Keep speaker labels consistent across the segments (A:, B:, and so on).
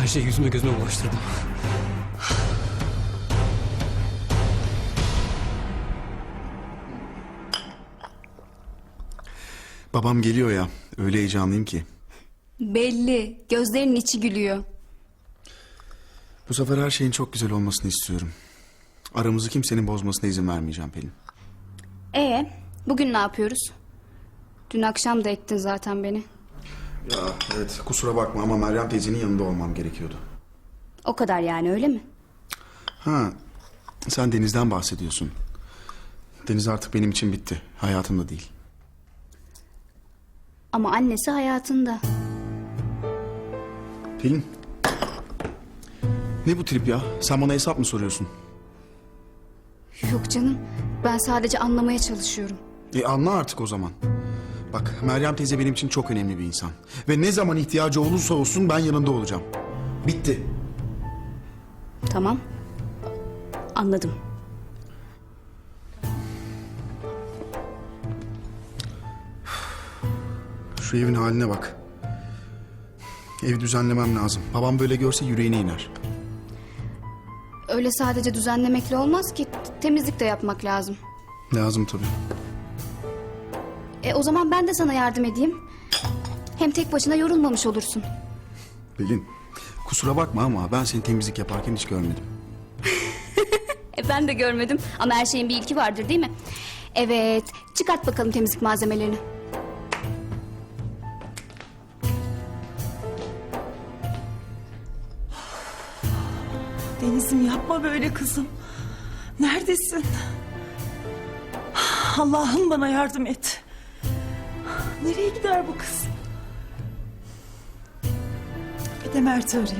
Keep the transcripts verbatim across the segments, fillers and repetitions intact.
A: Her şeyi yüzüme gözüme bulaştırdım.
B: Babam geliyor ya. Öyle heyecanlıyım ki.
C: Belli. Gözlerinin içi gülüyor.
B: Bu sefer her şeyin çok güzel olmasını istiyorum. Aramızı kimsenin bozmasına izin vermeyeceğim Pelin.
C: Ee, bugün ne yapıyoruz? Dün akşam da ektin zaten beni.
B: Ya evet, kusura bakma ama Meryem teyzenin yanında olmam gerekiyordu.
C: O kadar yani, öyle mi?
B: Ha, sen Deniz'den bahsediyorsun. Deniz artık benim için bitti. Hayatımda değil.
C: Ama annesi hayatında.
B: Pelin. Ne bu trip ya? Sen bana hesap mı soruyorsun?
C: Yok canım. Ben sadece anlamaya çalışıyorum.
B: E anla artık o zaman. Bak, Meryem teyze benim için çok önemli bir insan. Ve ne zaman ihtiyacı olursa olsun ben yanında olacağım. Bitti.
C: Tamam. Anladım.
B: Şu evin haline bak. Evi düzenlemem lazım. Babam böyle görse yüreğine iner.
C: Öyle sadece düzenlemekle olmaz ki. Temizlik de yapmak lazım.
B: Lazım tabii.
C: E o zaman ben de sana yardım edeyim. Hem tek başına yorulmamış olursun.
B: Pelin, kusura bakma ama ben seni temizlik yaparken hiç görmedim.
C: E ben de görmedim ama her şeyin bir ilki vardır değil mi? Evet, çıkart bakalım temizlik malzemelerini.
D: Deniz'im yapma böyle kızım. Neredesin? Allah'ım bana yardım et. Nereye gider bu kız? Bir de Mert'i arayayım.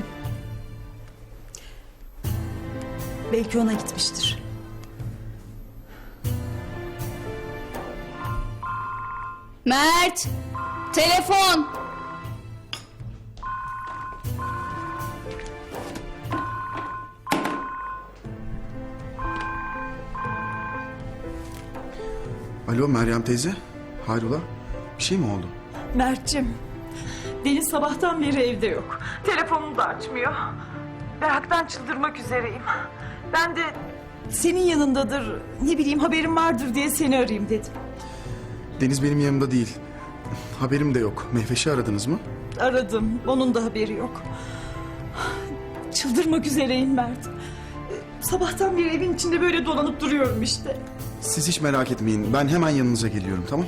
D: Belki ona gitmiştir.
C: Mert! Telefon!
B: Alo Meryem teyze, hayrola? Bir şey mi oldu?
D: Mert'cim, Deniz sabahtan beri evde yok. Telefonunu da açmıyor. Meraktan çıldırmak üzereyim. Ben de senin yanındadır, ne bileyim haberin vardır diye seni arayayım dedim.
B: Deniz benim yanımda değil. Haberim de yok. Mehveş'i aradınız mı?
D: Aradım, onun da haberi yok. Çıldırmak üzereyim Mert. Sabahtan beri evin içinde böyle dolanıp duruyorum işte.
B: Siz hiç merak etmeyin. Ben hemen yanınıza geliyorum, tamam?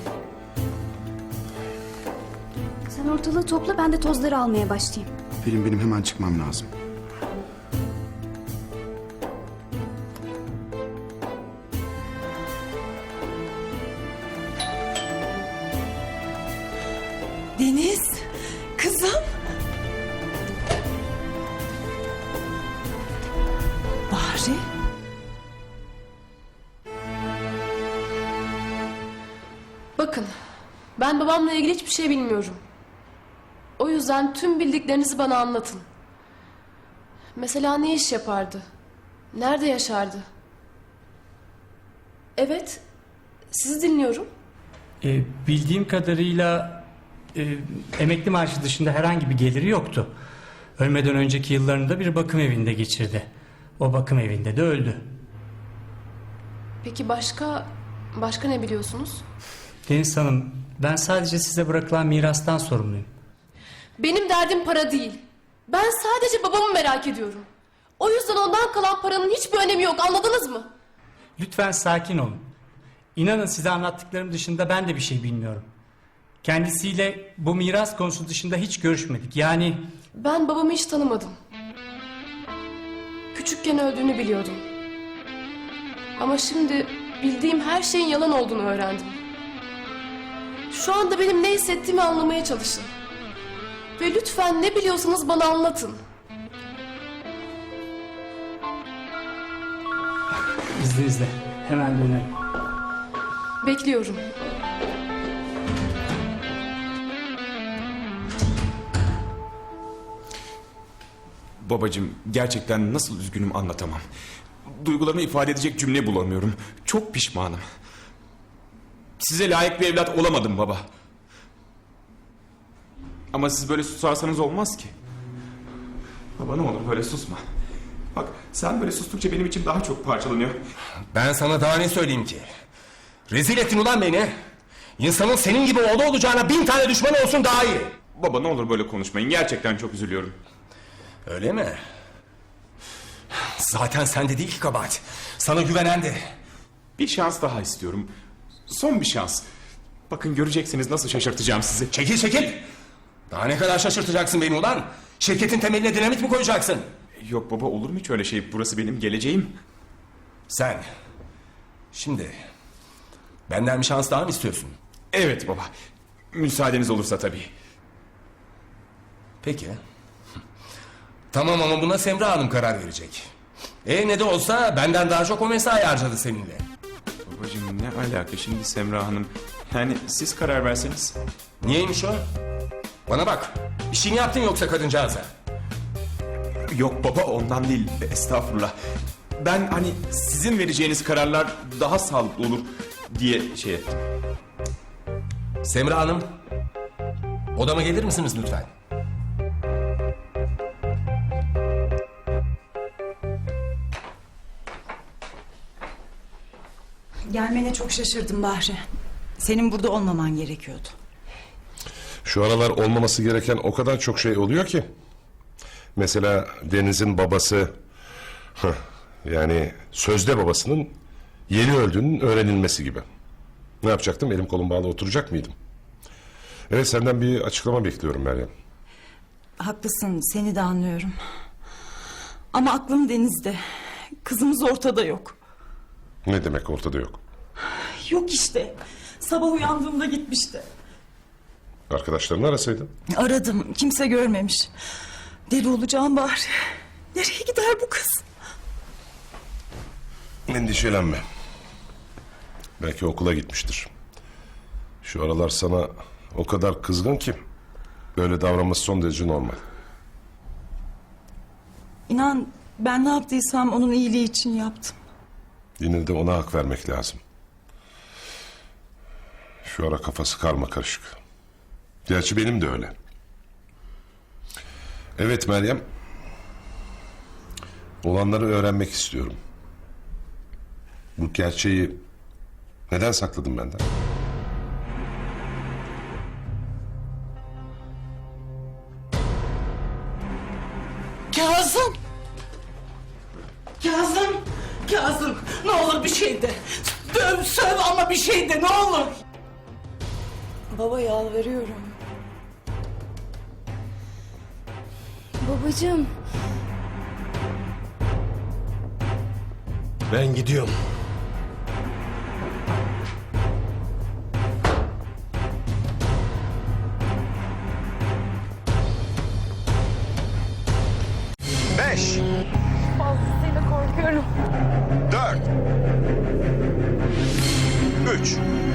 C: Sen ortalığı topla, ben de tozları almaya başlayayım.
B: Pelin, benim hemen çıkmam lazım.
D: Deniz, kızım. Bahri.
E: Bakın, ben babamla ilgili hiçbir şey bilmiyorum. O yüzden tüm bildiklerinizi bana anlatın. Mesela ne iş yapardı? Nerede yaşardı? Evet, sizi dinliyorum.
F: E, bildiğim kadarıyla e, emekli maaşı dışında herhangi bir geliri yoktu. Ölmeden önceki yıllarında bir bakım evinde geçirdi. O bakım evinde de öldü.
E: Peki başka, başka ne biliyorsunuz?
F: Deniz Hanım, ben sadece size bırakılan mirastan sorumluyum.
E: Benim derdim para değil. Ben sadece babamı merak ediyorum. O yüzden ondan kalan paranın hiçbir önemi yok, anladınız mı?
F: Lütfen sakin olun. İnanın size anlattıklarım dışında ben de bir şey bilmiyorum. Kendisiyle bu miras konusu dışında hiç görüşmedik. Yani
E: Ben babamı hiç tanımadım. Küçükken öldüğünü biliyordum. Ama şimdi bildiğim her şeyin yalan olduğunu öğrendim. Şu anda benim ne hissettiğimi anlamaya çalışın. Ve lütfen ne biliyorsanız bana anlatın.
F: izninizle hemen dönerim.
E: Bekliyorum.
G: Babacığım, gerçekten nasıl üzgünüm anlatamam. Duygularımı ifade edecek cümle bulamıyorum. Çok pişmanım. Size layık bir evlat olamadım baba. Ama siz böyle susarsanız olmaz ki. Baba ne olur böyle susma. Bak sen böyle sustukça benim içim daha çok parçalanıyor.
A: Ben sana daha ne söyleyeyim ki? Rezil ettin ulan beni. İnsanın senin gibi oğlu olacağına bin tane düşmanı olsun daha iyi.
G: Baba ne olur böyle konuşmayın. Gerçekten çok üzülüyorum.
A: Öyle mi? Zaten sende değil ki kabahat. Sana güvenendi.
G: Bir şans daha istiyorum. Son bir şans. Bakın göreceksiniz nasıl şaşırtacağım sizi.
A: Çekil çekil. Daha ne kadar şaşırtacaksın beni ulan? Şirketin temeline dinamit mi koyacaksın?
G: Yok baba olur mu hiç öyle şey? Burası benim geleceğim.
A: Sen. Şimdi. Benden bir şans daha mı istiyorsun?
G: Evet baba. Müsaadeniz olursa tabii.
A: Peki. Tamam ama buna Semra Hanım karar verecek. E ne de olsa benden daha çok o mesai harcadı seninle.
G: Babacığım ne alaka şimdi Semra Hanım? Yani siz karar verseniz.
A: Niyeymiş o? Bana bak. Bir şey mi yaptın yoksa kadıncağıza?
G: Yok baba ondan değil. Estağfurullah. Ben hani sizin vereceğiniz kararlar daha sağlıklı olur diye şey ettim.
A: Semra Hanım. Odama gelir misiniz lütfen?
D: Gelmene çok şaşırdım Bahri. Senin burada olmaman gerekiyordu.
H: Şu aralar olmaması gereken o kadar çok şey oluyor ki. Mesela Deniz'in babası... hıh, yani sözde babasının yeni öldüğünün öğrenilmesi gibi. Ne yapacaktım? Elim kolum bağlı oturacak mıydım? Evet senden bir açıklama bekliyorum Meryem.
D: Haklısın, seni de anlıyorum. Ama aklım Deniz'de. Kızımız ortada yok.
H: Ne demek ortada yok?
D: Yok işte. Sabah uyandığımda gitmişti.
H: Arkadaşlarını arasaydın.
D: Aradım, kimse görmemiş. Deli olacağım Bahri. Nereye gider bu kız?
H: Endişelenme. Belki okula gitmiştir. Şu aralar sana o kadar kızgın ki... böyle davranması son derece normal.
D: İnan ben ne yaptıysam onun iyiliği için yaptım.
H: Yine de ona hak vermek lazım. Şu ara kafası karma karışık. Gerçi benim de öyle. Evet Meryem. Olanları öğrenmek istiyorum. Bu gerçeği neden sakladın benden?
I: Kazım! Kazım! Kazım! Ne olur bir şey de. Döv, söv ama bir şey de ne olur.
D: Baba yalvarıyorum.
C: Babacığım.
H: Ben gidiyorum.
A: Beş.
E: Fazlasıyla korkuyorum.
A: Dört. Üç.